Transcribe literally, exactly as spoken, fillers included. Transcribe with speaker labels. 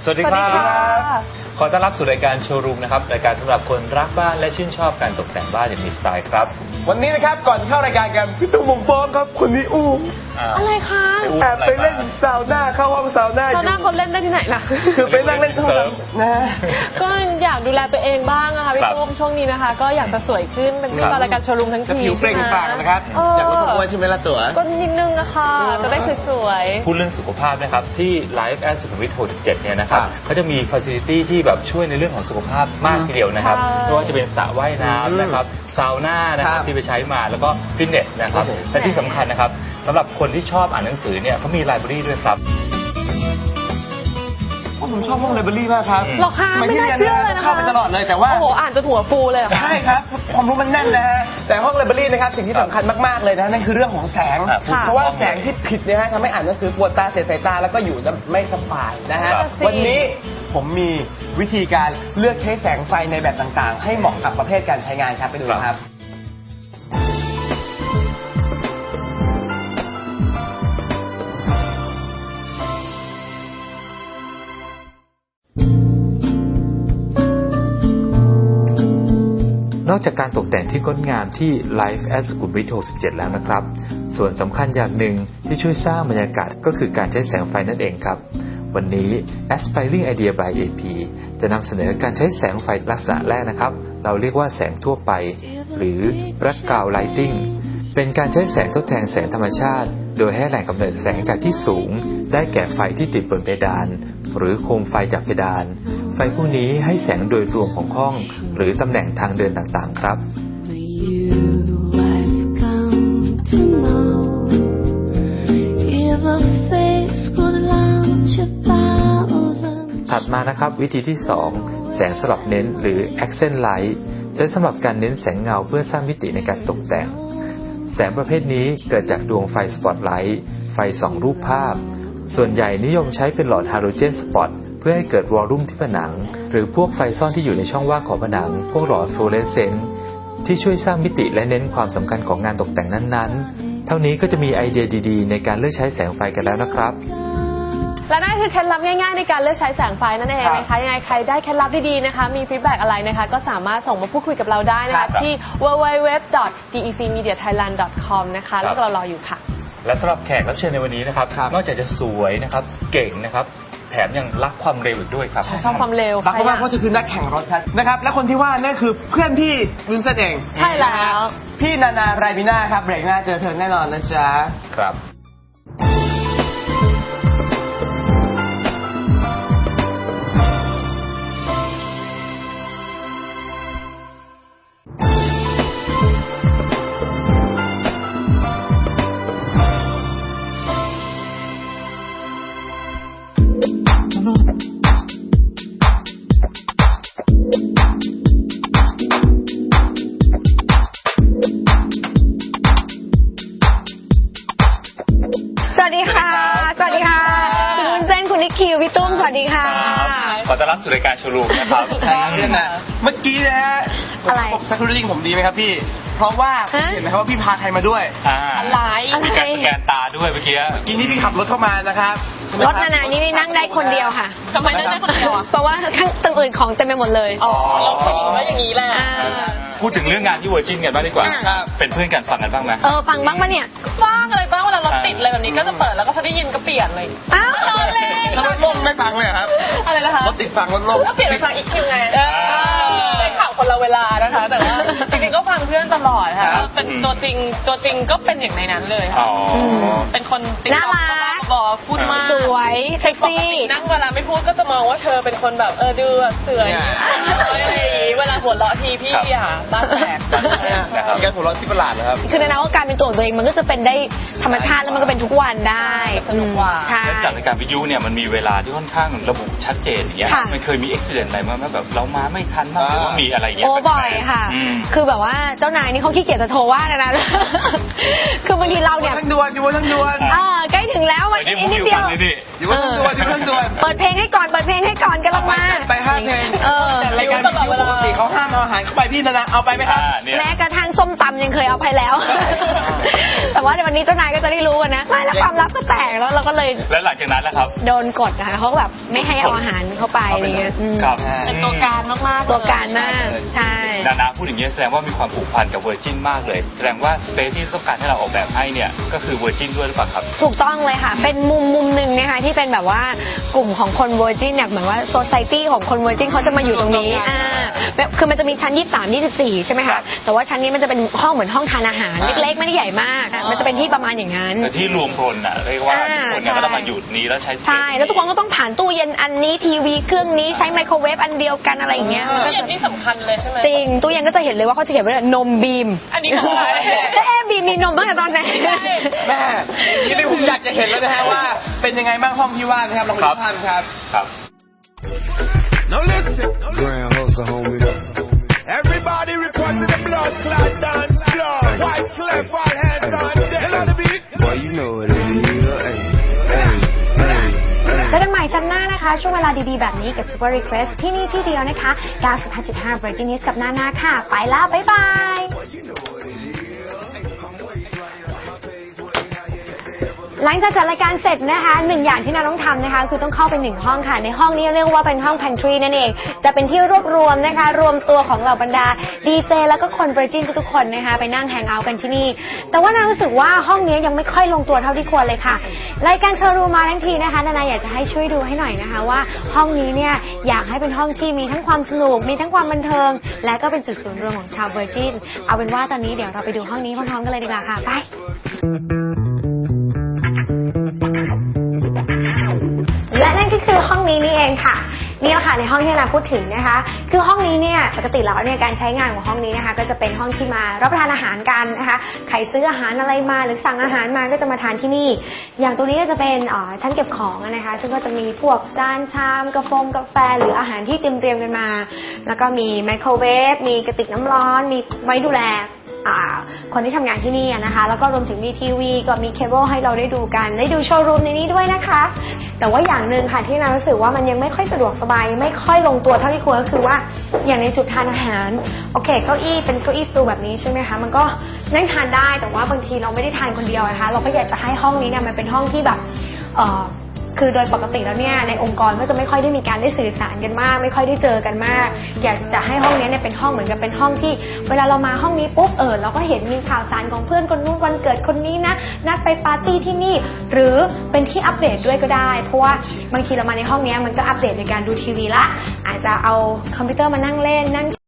Speaker 1: วัสดีครับขอต้อนรับสู่รายการโชว์รูมนะครับรายการสำหรับคนรักบ้านและชื่นชอบการตกแต่งบ้านอย่างมีสไตล์ครับ
Speaker 2: วันนี้นะครับก่อนเข้ารายการกันพี่ตุ้มผมฟ้องครับคนนี้อู้
Speaker 3: อะไรคะ
Speaker 2: แอบไปเล่นซาวน่าเข้าห้องซาวน่าอยู่
Speaker 3: ซาวน่าเขาเล่นได้ที่ไหนล่ะ
Speaker 2: คือไปนั่งเล่นข้างหลังนะ
Speaker 3: ก็อยากดูแลตัวเองบ้างอะค่ะพี่ตุ้มช่วงนี้นะคะก็อยากจะสวยขึ้นเป็นที่รายการโชว์รูมทั้งที
Speaker 2: ผิวเปล่งปลั่งนะครับอยากลดความอ้วนใช่ไหมล่ะตัว
Speaker 3: ก็นิดนึงอะค่ะจะได้สวย
Speaker 1: ๆพูดเรื่องสุขภาพนะครับที่ Life at สุขุมวิทหกสิบเจ็ดเนี่ยนะครับเขาจะมี facility ที่แบบช่วยในเรื่องของสุขภาพมากทีเดียวนะครับไม่ว่าจะเป็นสระว่ายน้ำนะครับซาวน่านะครับที่ไปใช้มาแล้วก็ฟิตเนสนะครับและที่สำคัญนะครับสำหรับคนที่ชอบอ่านหนังสือเนี่ยเขามีไลบรารีด้วยครับ
Speaker 2: ผมชอบห้องไลบรารีมากครับ
Speaker 3: หรอคะไม่น่าเชื่อเลยนะคะ
Speaker 2: เข้าไปตลอดเลยแต่ว่า
Speaker 3: โอ้โหอ่านจนหัวฟูเลย
Speaker 2: ใช่ครับความรู้มันแน่นนะฮะแต่ห้องไลบรารีนะครับสิ่งที่สำคัญมากๆเลยนะนั่นคือเรื่องของแสงเพราะว่าแสงที่ผิดเนี่ยฮะทำให้อ่านหนังสือปวดตาเสียสายตาแล้วก็อยู่ไม่สบายนะฮะวันนี้ผมมีวิธีการเลือกใช้แสงไฟในแบบต่างๆให้เหมาะกับประเภทการใช้งานครับไปดูครับ
Speaker 1: นอกจากการตกแต่งที่งดงามที่ Life at สุขุมวิทหกสิบเจ็ดแล้วนะครับส่วนสำคัญอย่างหนึ่งที่ช่วยสร้างบรรยากาศก็คือการใช้แสงไฟนั่นเองครับวันนี้ Aspiring Idea by เอ พี จะนำเสนอการใช้แสงไฟลักษณะแรกนะครับเราเรียกว่าแสงทั่วไปหรือ Background Lighting เป็นการใช้แสงทดแทนแสงธรรมชาติโดยให้แหล่งกำเนิดแสงจากที่สูงได้แก่ไฟที่ติดบนเพดานหรือโคมไฟจากเพดานไฟพวกนี้ให้แสงโดยรวมของห้องหรือตำแหน่งทางเดินต่างๆครับถัดมานะครับวิธีที่สองแสงสลับเน้นหรือ Accent Light ใช้สำหรับการเน้นแสงเงาเพื่อสร้างมิติในการตกแต่งแสงประเภทนี้เกิดจากดวงไฟสปอตไลท์ไฟส่องรูปภาพส่วนใหญ่นิยมใช้เป็นหลอดฮาโลเจนสปอตเพื่อให้เกิดวอลลุ่มที่ผนังหรือพวกไฟซ่อนที่อยู่ในช่องว่างของผนังพวกหลอดฟลูออเรสเซนต์ที่ช่วยสร้างมิติและเน้นความสำคัญของงานตกแต่งนั้นๆเท่านี้ก็จะมีไอเดียดีๆในการเลือกใช้แสงไฟกันแล้วนะครับ
Speaker 3: และนั่นคือเคล็ดลับง่ายๆในการเลือกใช้แสงไฟนั่นเองนะคะยังไงใครได้เคล็ดลับดีๆนะคะมีฟีดแบ็กอะไรนะคะก็สามารถส่งมาพูดคุยกับเราได้นะคะที่ ดับเบิลยู ดับเบิลยู ดับเบิลยู ดอท ดี อี ซี มีเดีย ไทยแลนด์ ดอท คอม นะคะแล้วเรารออยู่ค่ะ
Speaker 1: และสำหรับแขกรับเชิญในวันนี้นะครับนอกจากจะสวยนะครับเก่งนะครับแถมยังรักความเร็วอีกด้วยครับ
Speaker 3: ชอบความเร็ว
Speaker 2: รักมากเพราะจะคือนักแข่งรถครับนะครับและคนที่ว่านั่นคือเพื่อนพี่วุ้นเส้นเอง
Speaker 3: ใช่แล้ว
Speaker 2: พี่นานาไรบิน่าครับเบรกหน้าเจอเธอแน่นอนนะจ๊ะ
Speaker 1: ครับ
Speaker 4: สวัสดีค่ะสวัสดีค่ะคุณวุ้นเส้นคุณนิกคิวพี่ตุ้มสวัสดีค่ะ
Speaker 1: ขอต้อนรับสู่รายการโชว์รูมนะครับ
Speaker 2: ใช่ครับนะเมื่อกี้นะฮะ
Speaker 4: อะไร
Speaker 2: สักครู่จริงผมดีไหมครับพี่เพราะว่าเห็นไหมครับว่าพี่พาใครมาด้วย
Speaker 3: อะไร
Speaker 1: อะไรสแกนตาด้วยเมื่อกี้
Speaker 2: เมื่อกี้นี่พี่ขับรถเข้ามานะครับ
Speaker 4: รถนานานี่นั่งได้คนเดียวค่ะ
Speaker 3: ทำไมนั่งได้คนเดียว
Speaker 4: เพราะว่าข้างตึงอื่นของเต็มไปหมดเลย
Speaker 3: อ๋อเราคิดว่าอย่างนี้แหละ
Speaker 1: พูดถึงเรื่องงานที่เวอร์จินกันบ้างดีกว่าเป็นเพื่อนกันฟังกันบ้างไหม
Speaker 4: เออฟังบ้างปะเนี่ย
Speaker 3: ฟังอะไรบ้างเวลารถติดอะไรแบบนี้ก็จะเปิดแล้วก็พอได้ยินก็เปลี่ยนเลย
Speaker 4: อ้าวเลย
Speaker 2: แล้วรถลมไม่ฟังเลยครับ
Speaker 3: อะไรนะคะ
Speaker 2: รถติดฟังรถลม
Speaker 3: ก็เปลี่ยนไปฟังอีกคิวไงเป็นข่าวคนละเวลานะคะแต่ว่าจริงๆก็ฟังเพื่อนตลอดค่ะเป็นตัวจริงตัวจริงก็เป็นอย่างในนั้นเลยค่ะเป็นคนติ๊กต๊อกบอกพูดมาก
Speaker 4: สวยเซ็กซี่
Speaker 3: นั่งเวลาไม่พูดก็จะมองว่าเธอเป็นคนแบบเออดูเสื่อยเวลาหัวเราะทีพี่อ่ะบ้าแตก
Speaker 2: นะครับการหัวเราะที่ประหลาดนะครับ
Speaker 4: คือในนั้นว่าการเป็นตัวของตัวเองมันก็จะเป็นได้ธรรมชาติแล้วมันก็เป็นทุกวันได้
Speaker 3: สนุกกว่า
Speaker 1: จากรายการวิทยุเนี่ยมันมีเวลาที่ค่อนข้างระบุชัดเจนอย่างเงี้ยมันเคยมีอุบิเหตุอะไรมาแบบเรามาไม่ทันมากหรือว่ามีอะไรเงี้ย
Speaker 4: โอ้บ่อยค่ะคือแบบว่าเจ้านายนี่เขาขี้เกียจจะโทรว่านะนะคือบางทีเราเนี่ย
Speaker 2: ทั้งด่วนอยู่ทั้งด่วน
Speaker 4: เออใกล้ถึงแล้ววันนี้นิดเดียว
Speaker 2: อยู่ทั้งด่วนอยู่ทั้งด่วน
Speaker 4: เปิดเพลงให้ก่อนเปิดเพลงให้ก่อนกันละมา
Speaker 2: ไปห้าเพลง
Speaker 4: เออ
Speaker 2: รายการวิทยุปกติเขาห้ามเอาอาหารเข้าไปพี่นานาเอาไปไหมครับ
Speaker 4: แม้กระทั่งส้มตำยังเคยเอาไปแล้ว แต่ว่าในวันนี้เจ้านายก็จะได้รู้กันนะไม่แล้วความลับก็แตกแล้วเราก็เลย
Speaker 5: แล้วหลังจากนั้นแล้วครับ
Speaker 4: โดนกดนะคะเขาแบบไม่ให้เอาอาหารเข้าไปอะไรเงี้ย
Speaker 5: ครับ
Speaker 3: เป็นตัวการมากๆ
Speaker 4: ตัวการมากใช่
Speaker 5: นานาพูดอย่างนี้แสดงว่ามีความผูกพันกับเวอร์จินมากเลยแสดงว่าสเปซที่ต้องการให้เราออกแบบให้เนี่ยก็คือเวอร์จินด้วยหรือเปล่าครับ
Speaker 4: ถูกต้องเลยค่ะเป็นมุมมุมหนึ่งนะคะที่เป็นแบบว่ากลุ่มของคนเวอร์จินเนี่ยเหมือนว่าโซซายตี้ของคนเวอร์จินเขาจะมาอยู่ตรงนี้อ่าคือมันจะมีชั้นยี่สิบสาม ยี่สิบสี่ใช่ไหมคะแต่ว่าชั้นนี้มันจะเป็นห้องเหมือนห้องทานอาหารเล็กๆไม่ได้ใหญ่มากมันจะเป็นที่ประมาณอย่างนั้น
Speaker 5: ที่รวมพลอ่ะเรียกว่าทุกคนเนี่ยก็ต้องมาอยู่นี้แล้วใช้
Speaker 4: ใช่แล้วทุกคนก็ต้องผ่านตู้เย็นอันนี้ทีวีเครื่องนี้ใช้ไมโครเวฟอันเดียวกันอะไรอย่างเงี้ย
Speaker 3: ตู้เย็นนี่สำคัญเลยใช่ไหม
Speaker 4: จริงตู้เย็นก็จะเห็นเลยว่าเขาจะเขียนไว้นมบีม
Speaker 3: อันนี้คืออะไร
Speaker 4: แม่บีมมีนมตั้งแต่ตอนไหน
Speaker 2: แม่นี่ผมอยากจะเห็นแล้วนะฮะว่าเป็นยังไงบ้างห้องที่ว่านะครับลองดูท่านครับ
Speaker 5: ครับ
Speaker 6: Now listen, Grand Hustle, homie. Everybody report to the blood clot dance floor. White clef, all hands on deck. You know the beat? Boy, you know what it is. Hey, hey, hey.
Speaker 4: เจอกันใหม่จันทร์หน้านะคะช่วงเวลาดีๆแบบนี้กับ Super Request ที่นี่ที่เดียวนะคะ เก้าสิบห้าจุดห้า Virgin News กับนานาค่ะไปแล้วบ๊ายบายหลังจากจัดรายการเสร็จนะคะหนึ่งอย่างที่นาต้องทำนะคะคือต้องเข้าไปหนึ่งห้องค่ะในห้องนี้เรียกว่าเป็นห้อง Pantry นั่นเองจะเป็นที่รวบรวมนะคะรวมตัวของเหล่าบรรดาดีเจแล้วก็คน Virgin ทุกๆคนนะคะไปนั่งแฮงเอาท์กันที่นี่แต่ว่านารู้สึกว่าห้องนี้ยังไม่ค่อยลงตัวเท่าที่ควรเลยค่ะรายการโชว์รูมมาทั้งทีนะคะนานาอยากจะให้ช่วยดูให้หน่อยนะคะว่าห้องนี้เนี่ยอยากให้เป็นห้องที่มีทั้งความสนุกมีทั้งความบันเทิงและก็เป็นจุดศูนย์รวมของชาว Virgin เอาเป็นว่าตอนนี้เดี๋ยวเราไปดูห้องนี้พร้อมๆกันเลยดีกว่าค่ะไปและนั่นก็คือห้องนี้นี่เองค่ะนี่แหละค่ะในห้องที่เราพูดถึงนะคะคือห้องนี้เนี่ยปกติแล้วเนี่ยการใช้งานของห้องนี้นะคะก็จะเป็นห้องที่มารับประทานอาหารกันนะคะใครซื้ออาหารอะไรมาหรือสั่งอาหารมาก็จะมาทานที่นี่อย่างตัวนี้ก็จะเป็นชั้นเก็บของนะคะซึ่งก็จะมีพวกจานชามกาแฟกาแฟหรืออาหารที่เตรียมเตรียมกันมาแล้วก็มีไมโครเวฟมีกระติกน้ำร้อนมีไว้ดูแลคนที่ทำงานที่นี่นะคะแล้วก็รวมถึงมีทีวีก็มีเคเบิลให้เราได้ดูกันได้ดูโชว์รูมในนี้ด้วยนะคะแต่ว่าอย่างหนึ่งค่ะที่เรารู้สึกว่ามันยังไม่ค่อยสะดวกสบายไม่ค่อยลงตัวเท่าที่ควรก็คือว่าอย่างในจุดทานอาหารโอเคเก้าอี้เป็นเก้าอี้สตูแบบนี้ใช่ไหมคะมันก็นั่งทานได้แต่ว่าบางทีเราไม่ได้ทานคนเดียวนะคะเราก็อยากจะให้ห้องนี้เนี่ยมันเป็นห้องที่แบบเอ่อคือโดยปกติแล้วเนี่ยในองค์กรก็จะไม่ค่อยได้มีการได้สื่อสารกันมากไม่ค่อยได้เจอกันมากอยากจะให้ห้องนี้เนี่ยเป็นห้องเหมือนกับเป็นห้องที่เวลาเรามาห้องนี้ปุ๊บเออเราก็เห็นมีข่าวสารของเพื่อนคนนู้นวันเกิดคนนี้นะนัดไปปาร์ตี้ที่นี่หรือเป็นที่อัปเดตด้วยก็ได้เพราะว่าบางทีเรามาในห้องนี้มันก็อัปเดตในการดูทีวีละอาจจะเอาคอมพิวเตอร์มานั่งเล่นนั่ง